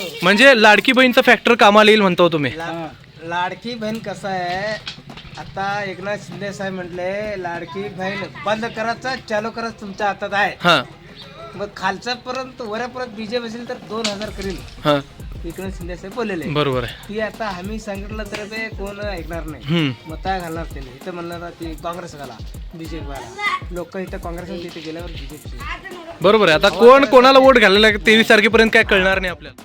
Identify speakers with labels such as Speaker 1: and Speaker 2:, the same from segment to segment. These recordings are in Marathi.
Speaker 1: म्हणजे लाडकी बहीणचं फॅक्टर कामाला येईल म्हणतो तुम्ही.
Speaker 2: लाडकी बहीण कसं आहे, आता एकनाथ शिंदे साहेब म्हटले लाडकी बहीण बंद करायचं चालू करायचं तुमच्या हातात आहे.
Speaker 1: हा
Speaker 2: मग खालचा पर्यंत वऱ्यापर्यंत बीजेपी असेल तर 2000 करील
Speaker 1: हा
Speaker 2: एकनाथ शिंदे साहेब बोललेले.
Speaker 1: बरोबर आहे.
Speaker 2: ती आता आम्ही सांगितलं तर ते कोण ऐकणार नाही.
Speaker 1: हम्म
Speaker 2: मग काय घालणार त्यांनी इथं म्हणणार ती काँग्रेस घाला बीजेपी घाला. लोक इथं काँग्रेस तिथे गेल्यावर बीजेपी.
Speaker 1: बरोबर आहे. आता कोण कोणाला वोट घालायला 23 तारखेपर्यंत काय कळणार नहीं आपल्याला.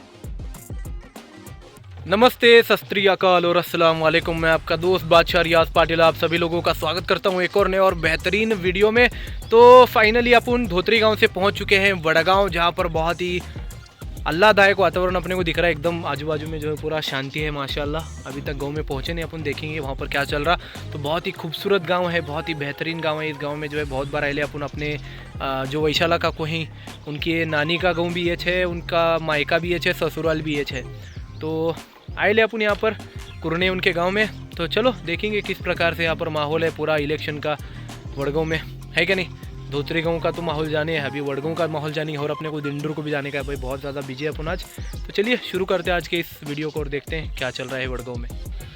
Speaker 1: नमस्ते, सत श्री अकाल और अस्सलाम वालेकुम. मैं आपका दोस्त बादशाह रियाज पाटिल आप सभी लोगों का स्वागत करता हूं एक और नए और बेहतरीन वीडियो में. तो फाइनली अपन धोत्री गांव से पहुंच चुके हैं वडगांव, जहां पर बहुत ही आह्लादायक वातावरण अपने को दिख रहा है. एकदम आजू बाजू में जो है पूरा शांति है माशाल्लाह. अभी तक गांव में पहुंचे नहीं, अपन देखेंगे वहाँ पर क्या चल रहा. तो बहुत ही खूबसूरत गांव है, बहुत ही बेहतरीन गांव है. इस गांव में जो है बहुत बार आए अपन अपने जो वैशाला का कोही उनकी नानी का गाँव भी ये है, उनका मायका भी ये है, ससुराल भी ये है. तो आए ले अपन यहाँ पर कुरने उनके गांव में. तो चलो देखेंगे किस प्रकार से यहाँ पर माहौल है पूरा इलेक्शन का वडगांव में, है क्या नहीं. धोत्री गांव का तो माहौल जाने है, अभी वडगांव का माहौल जाने और अपने को दिंडूर को भी जाने का है. भाई बहुत ज़्यादा बिजी है अपन आज. तो चलिए शुरू करते हैं आज के इस वीडियो को और देखते हैं क्या चल रहा है वडगांव में.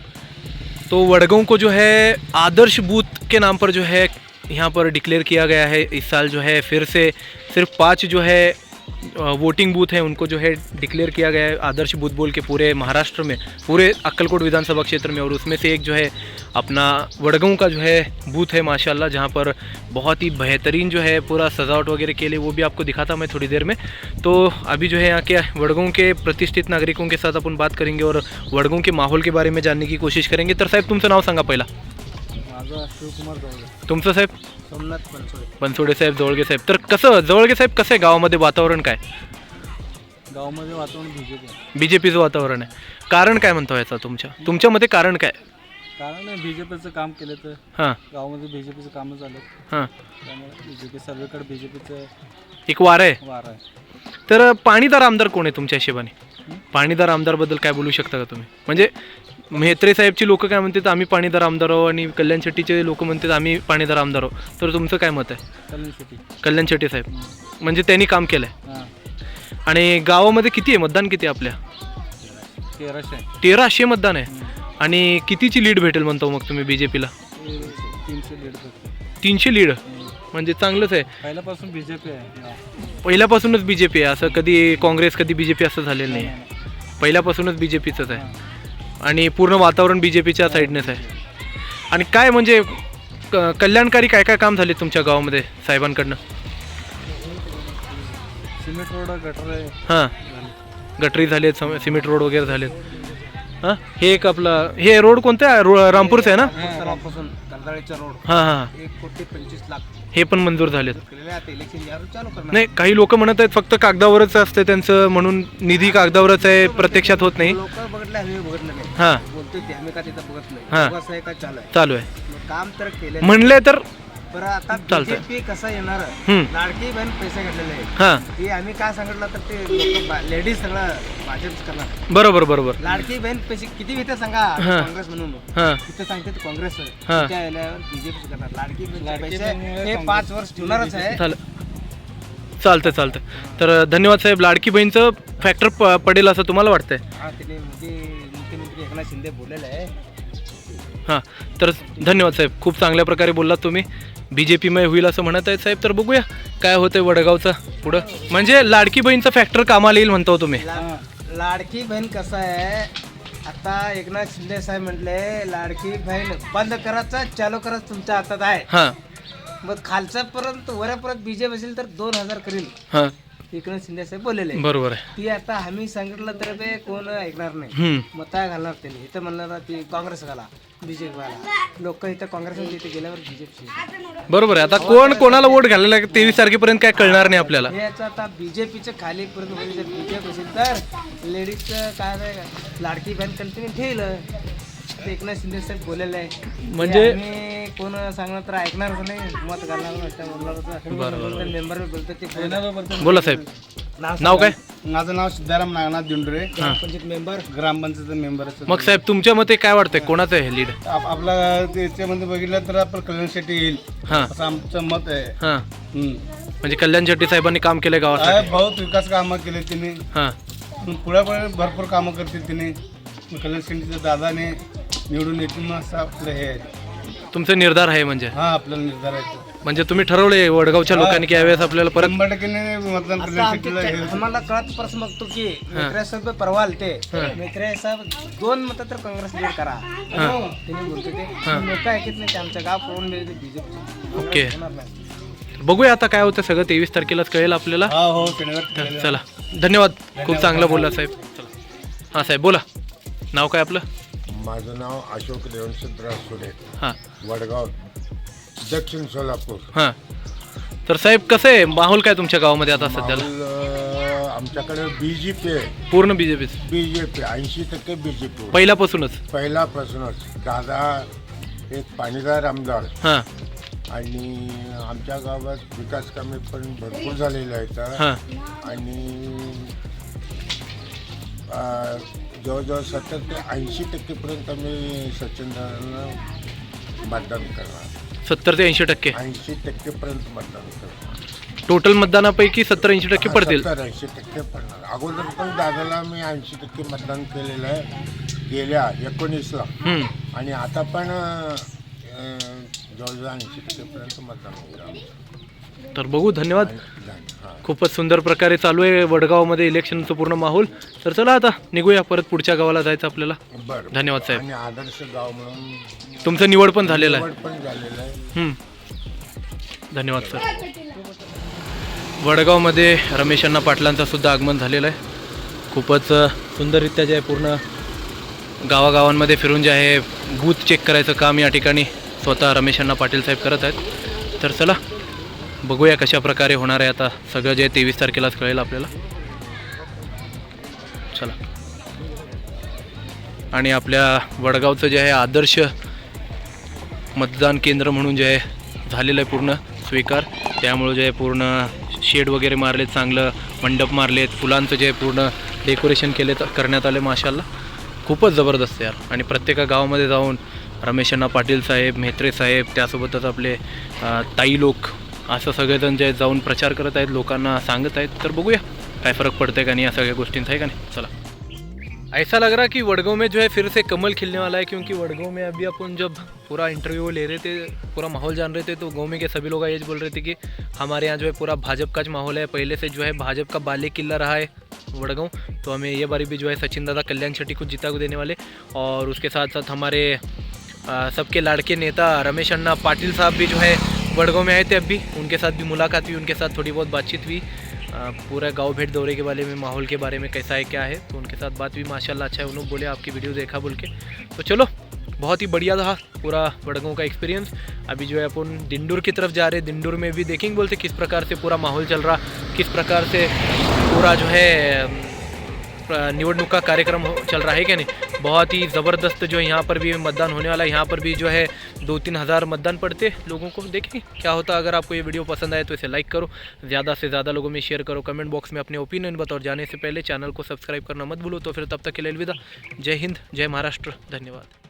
Speaker 1: तो वडगांव को जो है आदर्श बूथ के नाम पर जो है यहाँ पर डिक्लेयर किया गया है. इस साल जो है फिर से सिर्फ 5 जो है वोटिंग बूथ हैं उनको जो है डिक्लेयर किया गया है आदर्श बूथ बोल के पूरे महाराष्ट्र में, पूरे अक्कलकोट विधानसभा क्षेत्र में. और उसमें से एक जो है अपना वडगांव का जो है बूथ है माशाल्लाह, जहां पर बहुत ही बेहतरीन जो है पूरा सजावट वगैरह के लिए, वो भी आपको दिखाता मैं थोड़ी देर में. तो अभी जो है यहाँ के वडगांव के प्रतिष्ठित नागरिकों के साथ अपन बात करेंगे और वडगांव के माहौल के बारे में जानने की कोशिश करेंगे. तर साहेब तुमचं नाव सांगा पहिला.
Speaker 2: शिवकुमार जोळगे.
Speaker 1: तुमचं साहेब.
Speaker 2: सोमनाथ बनसोडे.
Speaker 1: बनसोडे साहेब, जोळगे साहेब. तर कसं जोळगे साहेब, कसं आहे गावामध्ये वातावरण काय?
Speaker 2: गावामध्ये वातावरण
Speaker 1: बीजेपीचं वातावरण आहे. कारण काय म्हणतो याचा तुमच्या मते कारण काय?
Speaker 2: कारण बीजेपीचं काम केलं तर
Speaker 1: हां
Speaker 2: गावामध्ये बीजेपीचं कामं झालं,
Speaker 1: हां
Speaker 2: त्यामुळे बीजेपी सर्वेकडे बीजेपीचं
Speaker 1: एक वार आहे.
Speaker 2: वार आहे.
Speaker 1: तर पाणीदार आमदार कोण आहे तुमच्या हिशोबाने? पाणीदार आमदारबद्दल काय बोलू शकता का तुम्ही? म्हणजे म्हेत्रे साहेबची लोक काय म्हणतात आम्ही पाणीदार आमदार आहो, आणि कल्याण शेट्टीचे लोक म्हणतात आम्ही पाणीदार आमदार आहो. तर तुमचं काय मत आहे? कल्याण शेट्टी साहेब म्हणजे त्यांनी काम केलं आहे. आणि गावामध्ये किती आहे मतदान, किती आहे आपल्या? 1300 मतदान आहे. आणि कितीची लीड भेटेल म्हणतो मग तुम्ही बीजेपीला? 300 लीड म्हणजे चांगलंच आहे.
Speaker 2: पहिल्यापासून बीजेपी आहे.
Speaker 1: पहिल्यापासूनच बीजेपी आहे, असं कधी काँग्रेस कधी बीजेपी असं झालेलं नाही. पहिल्यापासूनच बीजेपीचंच आहे आणि पूर्ण वातावरण बीजेपीच्या साईडनेच आहे. आणि काय म्हणजे कल्याणकारी काय काय काम झाले तुमच्या गावामध्ये साहेबांकडनं?
Speaker 2: सिमेंट रोड, गटर आहे.
Speaker 1: हां गटरी झालेत, सिमेंट रोड वगैरे झालेत. हां हे एक आपलं हे रोड कोणतं आहे? रामपूरचं आहे ना?
Speaker 2: रामपासून कर्दाळेचा रोड
Speaker 1: हां हां
Speaker 2: 1,25,00,000
Speaker 1: हे पण मंजूर झालेत.
Speaker 2: आता इलेक्शन यावर चालू करणार.
Speaker 1: नाही काही लोक म्हणत आहेत फक्त कागदावरच असते त्यांचं, म्हणून निधी कागदावरच आहे, प्रत्यक्षात होत नाही.
Speaker 2: लोक बघितलं, आम्ही बघितलं नाही.
Speaker 1: हां
Speaker 2: बोलतोय ते आम्ही का तिथं बघत नाही.
Speaker 1: हां.
Speaker 2: बस आहे का चालू आहे?
Speaker 1: चालू आहे.
Speaker 2: मग काम तर केलं
Speaker 1: म्हणले तर
Speaker 2: बरं. आता
Speaker 1: चालतंय.
Speaker 2: बीजेपी कसं येणार?
Speaker 1: हम्म.
Speaker 2: लाडकी बहीण पैसे घातलेले आहे.
Speaker 1: हां
Speaker 2: ते आम्ही काय सांगितलं तर ते लेडीज सगळं भाजपच करणार.
Speaker 1: बरोबर बरोबर.
Speaker 2: लाडकी बहीण पैसे किती भेटते सांगा?
Speaker 1: हां.
Speaker 2: काँग्रेस म्हणून
Speaker 1: हां
Speaker 2: तिथे सांगते ते काँग्रेस
Speaker 1: हां.
Speaker 2: त्या याल्यावर बीजेपी करणार. लाडकी बहीण पैसे हे 5 वर्ष ठेवणारच आहे.
Speaker 1: चालतं चालतं. तर धन्यवाद साहेब. लाडकी बहीणचं फॅक्टर पडेल असं तुम्हाला वाटतंय?
Speaker 2: हा, तिने मुख्यमंत्री एकनाथ शिंदे बोललेलं आहे.
Speaker 1: हां तर धन्यवाद साहेब, खूप चांगल्या प्रकारे बोललात तुम्ही. बीजेपीमय होईल असं म्हणत आहेत साहेब. तर बघूया काय होतंय वडगावचं पुढं. म्हणजे लाडकी बहीणचं फॅक्टर कामाला येईल म्हणतो तुम्ही.
Speaker 2: लाडकी बहीण कसं आहे, आता एकनाथ शिंदे साहेब म्हटले लाडकी बहीण बंद करायचं चालू करायचं तुमच्या हातात आहे.
Speaker 1: हां
Speaker 2: मग खालचा पर्यंत वऱ्यापर्यंत बीजेपी असेल तर 2000 करील
Speaker 1: हां
Speaker 2: एकनाथ शिंदे साहेब बोललेले.
Speaker 1: बरोबर आहे.
Speaker 2: ती आता आम्ही सांगितलं तर ते कोण ऐकणार नाही.
Speaker 1: हम्म.
Speaker 2: मग काय घालणार त्यांनी इथं म्हणणार ती काँग्रेस घाला बीजेपी घाला. लोक इथं काँग्रेस तिथे गेल्यावर बीजेपी.
Speaker 1: बरोबर आहे. आता कोण कोणाला वोट घालायला 23 तारखेपर्यंत काय कळणार नाही आपल्याला.
Speaker 2: याचं आता बीजेपीचं खाली पर्यंत होईल. जर बीजेपी असेल तर लेडीजचं काय नाही, लाडकी बहीण कंटिन्यू ठेवलं. एकनाथ शिंदे साहेब बोललेलं आहे.
Speaker 1: म्हणजे
Speaker 2: कोण सांगणार तर ऐकणारच नाही, मत घालणार नाही. मेंबर बोलतो ते.
Speaker 1: बोला साहेब. नाव काय?
Speaker 2: माझं नाव सिद्धाराम नागनाथ दिंडुरे, ग्रामपंचायत मेंबर, ग्रामपंचायत मेंबर.
Speaker 1: मग साहेब तुमच्या मते काय वाटतंय कोणाचं आहे लीड?
Speaker 2: आपला त्याच्यामध्ये बघितलं तर आपण कल्याण शेट्टी येईल
Speaker 1: हां
Speaker 2: असं आमचं मत आहे.
Speaker 1: हां म्हणजे कल्याण शेट्टी साहेबांनी काम केलंय गावासाठी.
Speaker 2: बहुत विकास कामं केले त्यांनी.
Speaker 1: हां
Speaker 3: पण पुढे भरपूर कामं करतील तिने. कल्याण शिंदेच्या दादाने निवडून येतील मग असं आपलं हे आहे.
Speaker 1: तुमचा निर्धार आहे म्हणजे
Speaker 3: हा आपल्याला निर्धार आहे तो.
Speaker 1: म्हणजे तुम्ही ठरवलंय वडगावच्या लोकांनी की यावेळेस आपल्याला परत
Speaker 3: 100% मतदान
Speaker 2: आता
Speaker 3: कल्याण शिंदेला हे
Speaker 2: आम्हाला कळत प्रश्न बघतो की मेत्रे साहेब परवा आलते. मेत्रे साहेब 2 मतं तर काँग्रेस लीड करा त्यांनी बोलतो ते लोक ऐकत नाही. आमच्या गाव पळून गेले बीजेपी.
Speaker 1: ओके. बघूया आता काय होतं सगळं 23 तारखेलाच कळेल आपल्याला.
Speaker 3: हा हो शनिवार.
Speaker 1: चला धन्यवाद, खूप चांगलं बोलला साहेब. चला हां साहेब बोला, नाव काय आपलं?
Speaker 4: माझं नाव अशोक रेवणसिद्धराव सुडे,
Speaker 1: हां
Speaker 4: वडगाव, दक्षिण सोलापूर.
Speaker 1: हां. तर साहेब कसं आहे माहोल काय तुमच्या गावामध्ये आता सध्याला?
Speaker 4: माहोल, आमच्याकडे बीजेपी आहे.
Speaker 1: पूर्ण बीजेपी
Speaker 4: बीजेपी 80% बीजेपी
Speaker 1: पहिल्यापासूनच.
Speaker 4: पहिल्यापासूनच. दादा एक पाणीदार आमदार
Speaker 1: हां
Speaker 4: आणि आमच्या गावात विकास कामे पण भरपूर झालेले आहेत.
Speaker 1: हां
Speaker 4: आणि जवळजवळ 70 ते 80% पर्यंत आम्ही सचिन दादांना मतदान करणार.
Speaker 1: 70 ते 80%.
Speaker 4: 80% पर्यंत मतदान करणार.
Speaker 1: टोटल मतदानापैकी 70-80% पडतील.
Speaker 4: 70-80% पडणार. अगोदर पण दादाला मी 80% मतदान केलेलं आहे गेल्या 19ला. आणि आता पण जवळजवळ 80% पर्यंत मतदान होईल.
Speaker 1: तर बघू. धन्यवाद.
Speaker 4: हां.
Speaker 1: खूपच सुंदर प्रकारे चालू आहे वडगावमध्ये इलेक्शनचं पूर्ण माहोल. तर चला आता निघूया, परत पुढच्या गावाला जायचं आपल्याला.
Speaker 4: बरं.
Speaker 1: धन्यवाद साहेब.
Speaker 4: आणि आदर्श गाव म्हणून
Speaker 1: तुमचं निवड पण झालेलं आहे.
Speaker 4: निवड पण झालेलं आहे.
Speaker 1: धन्यवाद सर. वडगावमध्ये रमेश अण्णा पाटलांचं सुद्धा आगमन झालेलं आहे. खूपच सुंदररित्या जे आहे पूर्ण गावागावांमध्ये फिरून जे आहे बूथ चेक करायचं काम या ठिकाणी स्वतः रमेश अण्णा पाटील साहेब करत आहेत. तर चला बघूया कशा प्रकारे होणार आहे आता सगळं जे 23 तारखेलाच कळेल आपल्याला. चला. आणि आपल्या वडगावचं जे आहे आदर्श मतदान केंद्र म्हणून जे आहे झालेलं आहे पूर्ण स्वीकार. त्यामुळे जे आहे पूर्ण शेड वगैरे मारलेत, चांगलं मंडप मारलेत, फुलांचं जे आहे पूर्ण डेकोरेशन करण्यात आले. माशाल्लाह खूपच जबरदस्त यार. आणि प्रत्येक गावामध्ये जाऊन रमेश अण्णा पाटील साहेब, म्हेत्रे साहेब, त्यासोबतच आपले ताई लोक असं सगळेजण जे जाऊन प्रचार करत आहेत, लोकांना सांगत आहेत. तर बघूया काय फ़र्क पड़ता है का नहीं या सगळ्या गोष्टींचा आहे का नहीं. चला. ऐसा लग रहा कि वडगांव में जो है फिर से कमल खिलने वाला है, क्योंकि वडगांव में अभी अपन जब पूरा इंटरव्यू ले रहे थे, पूरा माहौल जान रहे थे, तो गांव में के सभी लोग ये बोल रहे थे कि हमारे यहाँ जो है पूरा भाजपा का माहौल है. पहले से जो है भाजपा का बाले किला रहा है वडगांव. तो हमें ये बारी भी जो है सचिन दादा कल्याण शेट्टी को जीता को देने वाले. और उसके साथ साथ हमारे सबके लाड़के नेता रमेश अण्णा पाटिल साहब भी जो है वडगांव में आए थे. अभी उनके साथ भी मुलाकात हुई, उनके साथ थोड़ी बहुत बातचीत हुई. पूरा गांव भेंट दौरे के बारे में, माहौल के बारे में कैसा है क्या है, तो उनके साथ बात भी माशाल्लाह अच्छा है. उन्होंने बोले आपकी वीडियो देखा बोल के. तो चलो बहुत ही बढ़िया रहा पूरा वडगांव का एक्सपीरियंस. अभी जो है अपन दिंडूर की तरफ जा रहे हैं. दिंडूर में भी देखेंगे बोलते किस प्रकार से पूरा माहौल चल रहा, किस प्रकार से पूरा जो है निवडणूक का कार्यक्रम चल रहा है क्या नहीं. बहुत ही ज़बरदस्त जो है यहाँ पर भी मतदान होने वाला है. यहाँ पर भी जो है 2-3 हज़ार मतदान पड़ते लोगों को. देखें क्या होता. अगर आपको ये वीडियो पसंद आए तो इसे लाइक करो, ज़्यादा से ज़्यादा लोगों में शेयर करो, कमेंट बॉक्स में अपने ओपिनियन बताओ. जाने से पहले चैनल को सब्सक्राइब करना मत भूलो. तो फिर तब तक के लिए अलविदा. जय हिंद, जय महाराष्ट्र, धन्यवाद.